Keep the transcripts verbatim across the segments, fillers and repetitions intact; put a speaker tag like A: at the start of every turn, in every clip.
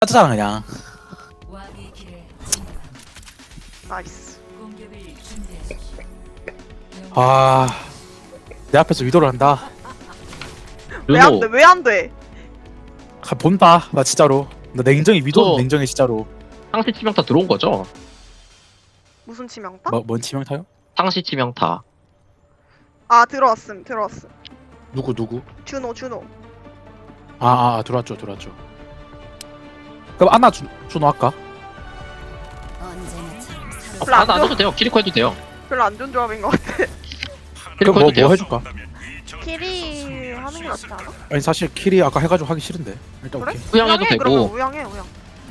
A: 하잖아 그냥.
B: 나이스.
A: 아, 내 앞에서 위도를 한다.
B: 왜 안 돼? 왜 안 돼?
A: 가, 본다. 나 진짜로. 나 냉정히 위도
C: 저-
A: 냉정히 진짜로.
C: 상시 치명타 들어온 거죠?
B: 무슨 치명타?
A: 뭐, 뭔 치명타요?
C: 상시 치명타.
B: 아 들어왔음 들어왔음.
A: 누구 누구?
B: 준호 준호.
A: 아, 아, 아 들어왔죠 들어왔죠. 그럼 안나 주, 준호 할까?
C: 아,
B: 별로 안
C: 안, 안
B: 좋아.
C: 해도 돼요. 키리코 해도 돼요.
B: 별로 안 좋은 조합인 것 같아.
C: 키리코
A: 그럼 뭐,
C: 해도 돼요.
A: 뭐 해줄까?
B: 키리 하는 게 낫지 않아?
A: 아니 사실 킬이 아까 해가지고 하기 싫은데. 일단
B: 그래?
A: 오케이.
C: 우양해도
B: 우양해, 그러면
C: 되고.
B: 우양해 우양.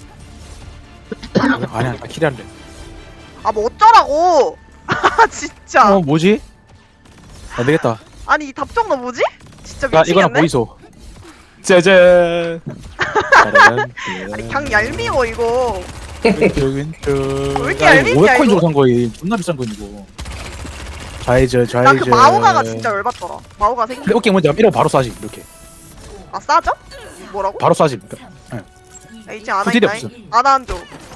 A: 아니 아니 나 킬이 할래.
B: 아 뭐 어쩌라고? 아 진짜.
A: 어 뭐지? 안 되겠다.
B: 아니 이 답정너 뭐지? 진짜
A: 야 이거나
B: 미치겠네.
A: 보이소. 짜잔. 짜잔.
B: 아니 그냥 얄미워 이거.
A: 왼쪽 왼쪽.
B: 왜 이렇게
A: 야,
B: 얄밉냐,
A: 이거 오백 코인
B: 이거?
A: 주고 산 거이 존나 비싼 거 이거. 좌회전
B: 나
A: 좌회전.
B: 그 마오가가 진짜 열받더라. 마오가 생긴.
A: 근데 오케이 먼저 이러고 바로 쏴지 이렇게.
B: 아 싸죠? 뭐라고?
A: 바로 쏴지.
B: 야, 이제 아나
A: 후딜이
B: 있나잉? 아나 안 줘.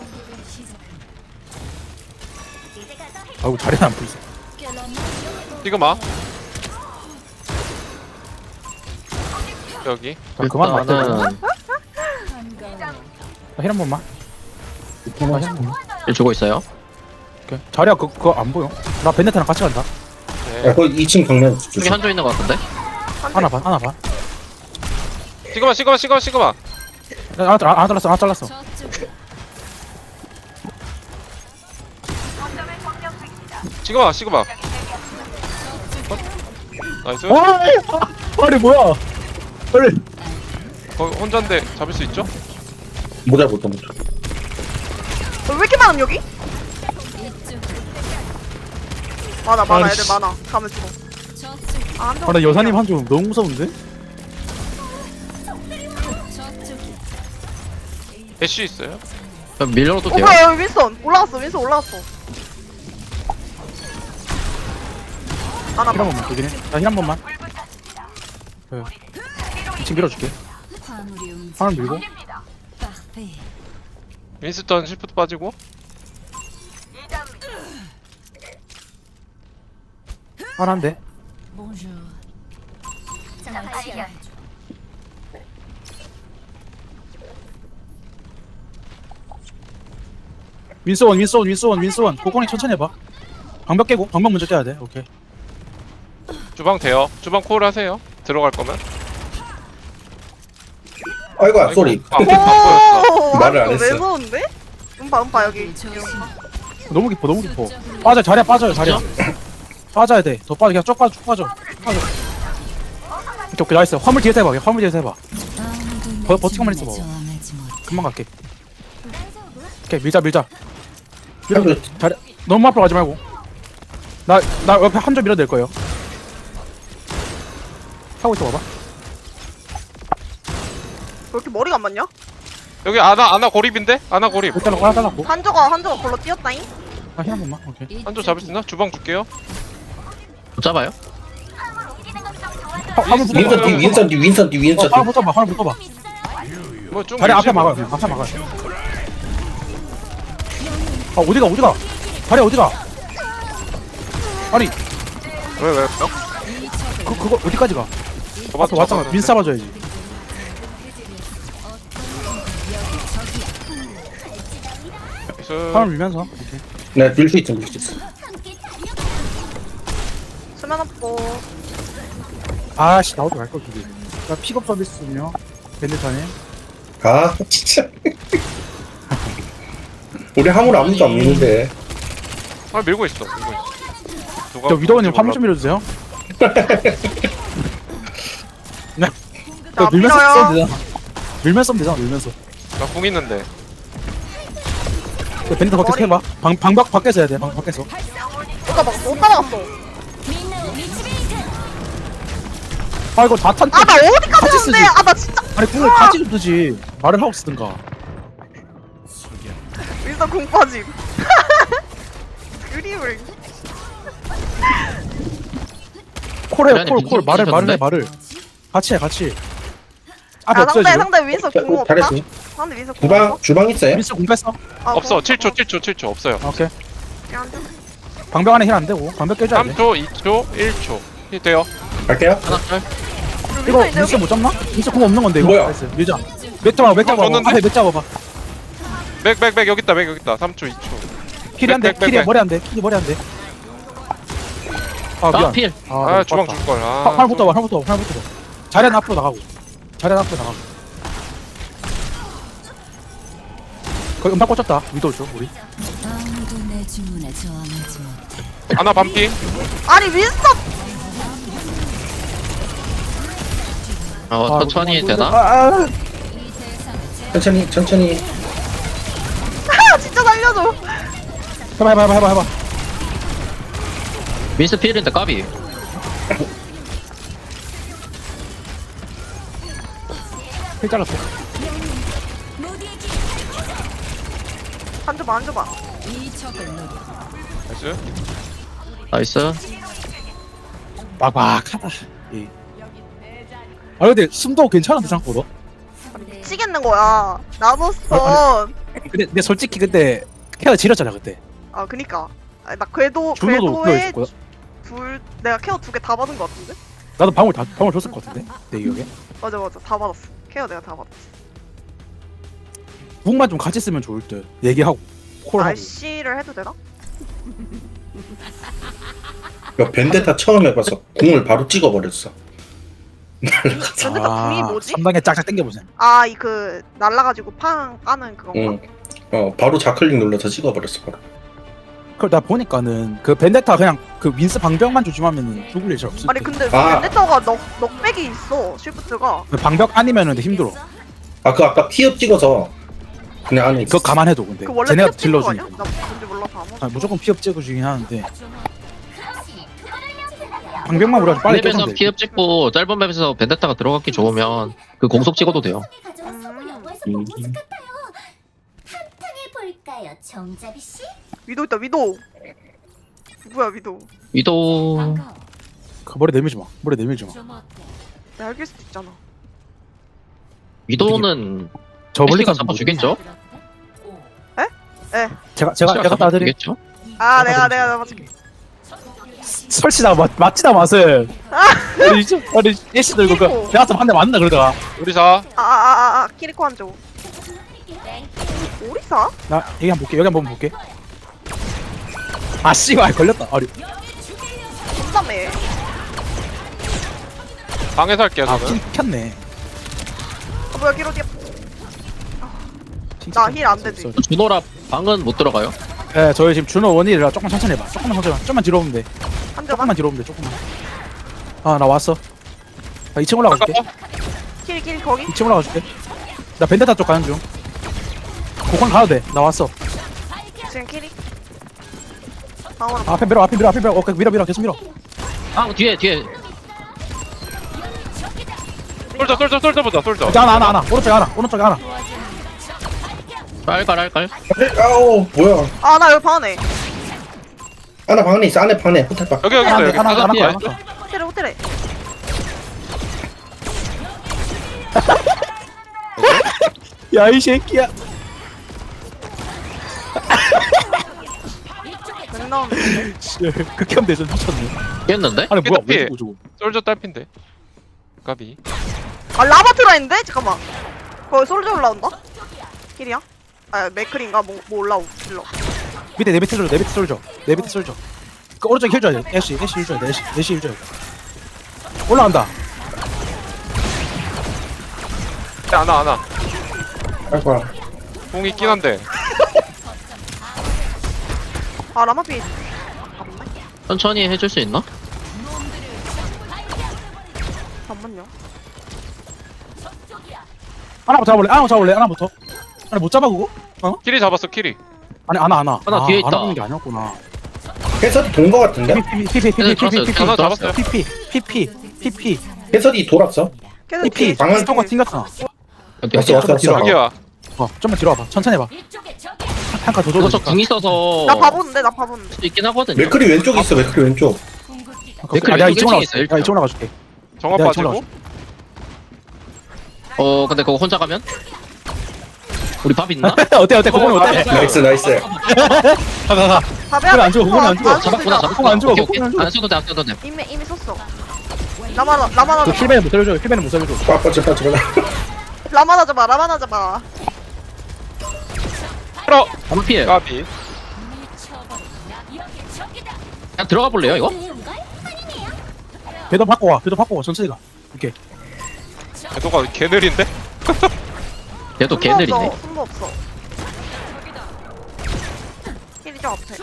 A: 아이고 자리는 안 보이소.
D: 시그마 여기
A: 자, 그만 맞다.
C: 일단은
A: 힐한 번만. 힐한 번만.
C: 일 주고 있어요.
A: 오케이. 자리야 그 그거 안 보여. 나 벤네타랑 같이 간다.
D: 네.
E: 야, 거기 이 층 정면
C: 여기
E: 조심.
C: 한조 있는 것 같은데?
A: 하나 반 하나 반.
D: 시그마 시그마 시그마 시그마
A: 야, 하나 잘- 하나 잘랐어 하나 잘랐어.
D: 시그마 시그마 어? 나이스
A: 와, 아니 뭐야? 빨리.
D: 거기 혼자인데 잡을 수 있죠?
E: 못 잡았다, 못 잡았다.
B: 어, 왜 이렇게 많음 여기? 많아 많아
A: 아니,
B: 애들
A: 씨.
B: 많아. 가면 죽어. 아, 한
A: 아, 나 여사님 한 줄 너무 무서운데?
D: 애쉬 있어요?
C: 그럼 밀려도 돼요.
B: 오빠 여기 윈선 올라갔어 윈선 올라갔어. 아나
A: 힐 한 번만 되긴 해. 나힐 한 번만. 네. 이 층 밀어줄게. 하나 밀고.
D: 윈스턴 시프트 빠지고
A: 하나 한 대. 윈스원 윈스원 윈스원 윈스원. 고건이 천천히 해봐. 방벽 깨고 방벽 먼저 깨야 돼. 오케이.
D: 주방 돼요 주방 콜 하세요 들어갈 거면
E: 아이고야, 쏘리.
D: 아, 안 보였어
E: 말을 안
B: 왜
E: 했어.
B: 무서운데? 음파 음파 여기.
A: 너무 깊어 너무 깊어. 빠져 자리야 빠져요 자리야. 빠져야 돼. 더 빠져 그냥 쭉 빠져 쭉 빠져. 빠져. 오케이 오케이 나이스. 화물 뒤에서 해봐. 화물 뒤에서 해봐. 버, 버티고만 있어 봐. 금방 갈게. 오케이 밀자 밀자. 밀어.
E: 한조
A: 자리 너무 앞으로 가지 말고. 나 나 옆에 한 점 밀어도 될 거예요. 하고 있어 봐봐.
B: 왜 이렇게 머리가 안 맞냐?
D: 여기 아나 아나 고립인데? 아나 고립
A: 일단 하나 잘랐고.
B: 한조가 한조가 걸러 뛰었다잉.
A: 아힐한 번만. 오케이.
D: 한조 잡을 수 있나? 주방 줄게요
C: 못 잡아요?
A: 화, 화물 붙어봐.
E: 윈선 뒤, 윈선 뒤, 윈선 뒤,
A: 어,
E: 윈선
A: 화물
E: 뒤.
A: 붙어봐. 화물 붙어봐.
D: 뭐좀
A: 자리 앞에 막아요. 그냥 앞에 막아요. 아 어디가 어디가? 자리 어디가? 아니
D: 왜 왜?
A: 그 그거 어디까지 가?
D: 저봐
A: 앞에 왔잖아. 윈 잡아줘야지. 화물 밀면서. 오케이.
E: 네, 밀수 있어, 밀수 있어.
B: 수면 없고.
A: 아씨 나오지 말걸 저기. 나 픽업 서비스군요. 밴드타님.
E: 아, 진짜. 우리 화물 아무도 안 미는데.
D: 아 밀고 있어 밀고 있어 누가
A: 저 위도우님
D: 뭔지
A: 화물 좀 밀어주세요. 네.
B: 자
A: 밀면서
B: 밀어요.
A: 쓰면 되잖아. 밀면서 쓰면 되잖아. 밀면서.
D: 몰라. 나궁 있는데
A: 그 밴드 밖에서
B: 머리.
A: 해봐. 방 방박 밖에서 해야 돼. 방 밖에서.
B: 오빠 막못 따라갔어.
A: 아 이거 다탄.
B: 아 나 어디까지
A: 같이 쓰지.
B: 왔는데? 아 나 진짜.
A: 아니 궁을 같이 좀 뜨지. 말을 하고 쓰든가.
B: 일단 공 빠짐. 그림을.
A: 콜해
C: 그래,
A: 콜 콜
C: 민지
A: 말을 말을 해
C: 찢었는데?
A: 말을. 같이 해 같이. 앞에
B: 아
A: 없어요
B: 상대
A: 지금.
B: 상대 윈서 궁 없다?
E: 잘했어.
B: 상대 윈서 궁
E: 주방
B: 없어?
E: 주방 있어요?
A: 미스 공 뺐어.
B: 아,
D: 없어.
B: 궁
D: 칠 초 칠 초 칠 초 없어요.
A: 오케이.
B: 그냥 좀-
A: 방벽 안에 힐 안 되고 방벽 깨줘야 돼.
D: 삼 초, 이 초, 일 초. 힐 돼요.
E: 갈게요.
C: 하나 짤.
A: 이거
B: 윈서 이제
A: 미스
B: 여기?
A: 못 잡나? 미스 공 없는 건데 이거.
E: 뭐야?
A: 나이스. 밀자. 맥 잡아 맥 잡아.
D: 줬는데?
A: 앞에 맥 잡아봐.
D: 맥, 맥, 맥 여기 있다. 맥 여기 있다. 삼 초, 이 초.
A: 킬이 안 돼.
D: 백, 백,
A: 킬이
D: 백.
A: 머리 안 돼. 킬이 머리 안 돼. 아
C: 아
A: 미안.
C: 필.
A: 아,
D: 아,
A: 너무
D: 주방
A: 빡다.
D: 줄 걸.
A: 화-
D: 아.
A: 활부터 봐. 활부터 봐. 활부터 봐. 자리는 앞으로 나가고. 자리는 앞으로 나가고. 거기 음파 꽂혔다. 위도 줘 우리.
F: 아무도 내 주문에 저항하지 못해.
D: 하나 반피.
B: 아니 윈서
C: 어
A: 아,
C: 천천히
A: 우리
C: 되나?
A: 아, 아.
E: 천천히 천천히.
B: 아 진짜 살려줘.
A: 해봐 해봐 해봐 해봐 해봐.
C: 민스 필인데 까비.
A: 힐 잘랐어.
B: 앉아봐 앉아봐.
F: 이 적을 노려.
D: 나이스.
C: 나이스.
A: 막막하다. 예. 아 근데 숨도 괜찮은데 생각보다.
B: 미치겠는 거야. 나노스턴.
A: 근데, 근데 솔직히 그때 케어 지렸잖아 그때.
B: 아 그니까. 아, 나 궤도
A: 준호도
B: 궤도에
A: 케어 있었고요.
B: 둘 내가 케어 두 개 다 받은 거 같은데?
A: 나도 방울 다 방울 줬을 것 같은데 내 기억에.
B: 맞아 맞아 다 받았어. 케어 내가 다 받았어.
A: 북만 좀 같이 쓰면 좋을 듯. 얘기하고 콜하고.
B: 날씨를 해도 되나?
E: 야, 벤데타 처음 해봐서 궁을 바로 찍어버렸어. 날라가서.
B: 근데 나 궁이 뭐지?
A: 삼 단계 짝짝 당겨보자.
B: 아 이 그 날라가지고 팡 까는 그건가?
E: 응. 어 바로 좌클릭 눌러서 찍어버렸어 바로.
A: 그걸 나 보니까는 그 벤데타 그냥 그 윈스 방벽만 조심하면은 죽을 일 잘 없을
B: 아니
A: 듯.
B: 근데
E: 아.
B: 벤데터가 넉 넉백이 있어 쉬프트가.
A: 그 방벽 아니면은 힘들어.
E: 아 그 아까 피업 찍어서 그냥 안에
A: 그거
E: 있었어.
A: 감안해도 근데
B: 그 원래
A: 쟤네가
B: 피업 찍는 거 아니야?
A: 딜러주니까.
B: 나 뭔지 몰라서 안
A: 아, 무조건 피업 찍어주긴 하는데 방벽만 우리가 빨리
C: 맵에서
A: 깨면 돼.
C: 피업 찍고 짧은 맵에서 벤데타가 들어갔기 좋으면 그 공속 찍어도 돼요.
E: 음.
F: 볼까요, 정자비 씨?
B: 위도 있다 위도. 누구야 위도?
C: 위도
A: 그 머리 내밀지 마. 머리 내밀지 마.
B: 내가 알길 수도 있잖아.
C: 위도는
A: 저 멀리
C: 애쉬가
A: 가서
C: 잡아주겠죠?
B: 에.
A: 제가 제가 제가 따드림.
C: 잡아주겠죠?
B: 아 내가 내가 잡아줄게.
A: 설치다 맞 맞지다 맛을. 아니 이제 아니 예시 들고 그
B: 키리코.
A: 내가 한대 맞나 그러다가
D: 우리 사.
B: 아아아아 키리코 한 조. 오리사?
A: 나 여기 한번 볼게 여기 한번 볼게. 아 씨발 걸렸다. 아리.
B: 존나매.
D: 방에서 할게요,
A: 아
D: 저는.
A: 킹 켰네.
B: 아 뭐야 기로디야. 나 힐 안 되지.
C: 준호라 방은 못 들어가요?
A: 예, 저희 지금 준호 원이라 조금 천천히 해봐. 조금만 천천히. 조금만 뒤로 오면 돼.
B: 한 조만.
A: 조금만 뒤로 오면 돼. 조금만. 아 나 왔어. 나 이 층 올라갈게.
B: 킬킬 거기.
A: 이 층 올라가줄게. 나 벤데타 쪽 가는 중. 고건 가도 돼. 나 왔어.
B: 지금 킬이. 방어로.
A: 아, 앞에 밀어, 앞에 밀어, 앞에 밀어. 오케이, 밀어, 밀어, 계속 밀어.
C: 아 뒤에 뒤에
D: 솔져, 솔져, 솔져 보자, 솔져.
A: 자, 하나, 하나, 하나. 오른쪽에 하나, 오른쪽에 하나.
C: 깔깔 깔깔.
E: 아우 뭐야.
B: 아나 여기 방 안에.
E: 안에 방 안에 있어. 안에 방 안에 호텔 방.
D: 여기, 여기 있어,
A: 하나,
D: 여기.
A: 하나, 하나, 하나,
C: 뒤에.
A: 하나, 하나.
B: 호텔에 호텔에.
A: 야, 이 새끼야.
B: 맥 나오는데.
A: 씨, 극혐 대전 미쳤네.
C: 깼는데?
A: 아니, 뭐야,
D: 피해.
A: 왜 죽어, 저거.
D: 솔져 딸핀데. 까비.
B: 아 라바트라 있는데? 잠깐만. 거기 솔져 올라온다? 킬이야? 아 맥클인가? 뭐, 뭐 올라오 킬러.
A: 밑에 내 밑에 쏠져, 내 밑에 쏠져. 내 밑에 쏠져. 그 오른쪽에 힐 줘야 돼. 애쉬, 애쉬 힐 줘야 돼. 애쉬, 애쉬 힐 줘야 돼. 올라간다.
D: 하나, 하나.
E: 아이고.
D: 공 있긴 한데.
B: 아 라마피.
C: 천천히 해줄 수 있나?
B: 잠만요.
A: 하나부터 잡아볼래? 하나부터 잡아볼래? 하나부터. 아니, 못 잡아, 그거?
D: 키리 잡았어, 키리.
A: 아니, 하나, 하나.
C: 하나 뒤에 있다.
A: 하나 보는 게 아니었구나.
E: 해설이 돈 거 같은데?
A: 피피, 피피, 피피, 피피, 피피,
D: 하나 잡았어요.
A: 피피, 피피, 피피,
E: 해설이 돌았어.
B: 계속
A: 피피.
B: 킬.
E: 방을-
A: 스토커 튕겼잖아.
C: 어디
E: 왔어 왔어 왔어.
A: 뒤로.
D: 여기야.
A: 어, 좀만 뒤로 와봐. 천천히 해봐. 한칸 더
C: 저거
A: 줘도
C: 저궁 있어서
B: 나 봐보는데 나 봐보는데.
C: 수 있긴 하거든요.
E: 맥클이 왼쪽에 있어. 맥클이 왼쪽.
A: 아, 내가
C: 왼쪽에
A: 이쪽 올라가.
C: 있어요,
A: 내가 이쪽 올라가줄게.
D: 정화
A: 내가 이쪽
D: 빠지고.
A: 올라가줄게.
C: 어 근데 그거 혼자 가면? 우리 밥 있나?
A: 어때 어때 그거는 어때?
E: 나이스 나이스.
A: 가가가.
B: 밥에
A: 그래, 안 죽어, 그건 안 죽어.
B: 안
C: 잡았구나
B: 죽어.
C: 잡았구나.
A: 안 죽어,
C: 오케이,
A: 그건 안
C: 오케이.
A: 죽어.
C: 안 써도 돼안 써도 돼.
B: 이미 이미 썼어. 라마나 라마나
A: 그 힐벤은 못 살려줘. 힐벤은 못 살려줘.
E: 빠 빠져 빠져 빠져.
B: 라마나 잡아 라마나 잡아.
D: 끌어.
C: 한번 피해.
D: 까비.
C: 그냥 들어가 볼래요 이거?
A: 배도 바꿔 와. 배도 바꿔 와. 천천히 가. 오케이.
D: 궤도가 개 느린데?
C: 얘도
B: 숨도
C: 걔들이네.
B: 없어, 숨도 없어. 힐이 좀 앞에.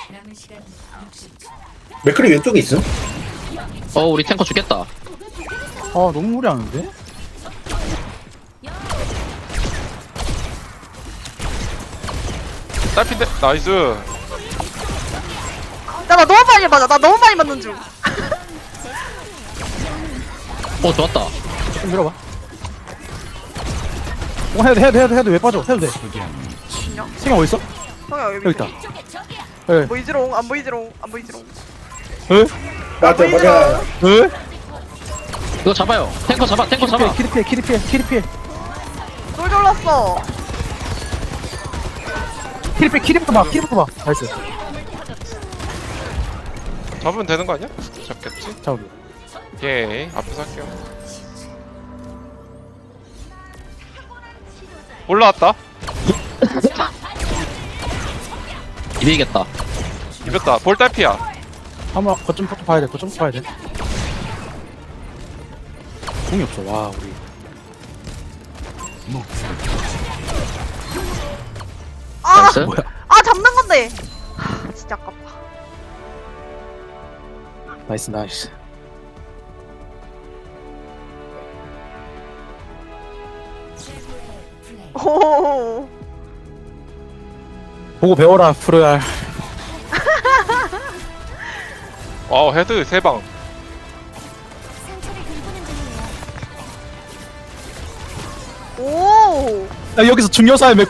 E: 맥크리 왼쪽에 있음?
C: 어 우리 탱커 죽겠다.
A: 아 너무 무리하는데?
D: 딸핀데? 나이스.
B: 야, 나 너무 많이 맞아. 나 너무 많이 맞는 중.
C: 어 좋았다.
A: 좀 밀어봐. 어 해도 돼, 해도 돼, 해도 돼, 해도 왜 빠져? 해도 돼. 생각 어디 있어?
B: 형아 여기
A: 여기 있다. 에?
B: 보이지롱 안 보이지롱 안 보이지롱.
A: 에?
E: 맞아 맞아.
A: 에?
C: 이거 잡아요. 탱커 잡아. 탱커 잡아.
A: 키리 피해, 키리 피해, 키리 피해.
B: 쫄 졸랐어.
A: 키리 피해, 키리부터 봐, 키리부터 봐. 나이스.
D: 잡으면 되는 거 아니야? 잡겠지?
A: 자, 우리.
D: 예. 앞에서 할게요. 올라왔다.
C: 이기겠다.
D: 이겼다. 볼 딸피야.
A: 한번 거점 포트 봐야 돼, 거점 포트 봐야 돼. 공이 없어, 와, 우리.
B: 아,
C: 나이스.
A: 뭐야?
B: 아 잡는 건데. 하, 진짜 아깝다.
A: 나이스, 나이스.
B: 오.
A: 보고 배워라, 프로얄.
D: 와우 헤드 세 방.
B: 오.
A: 야, 여기서 중요사의 메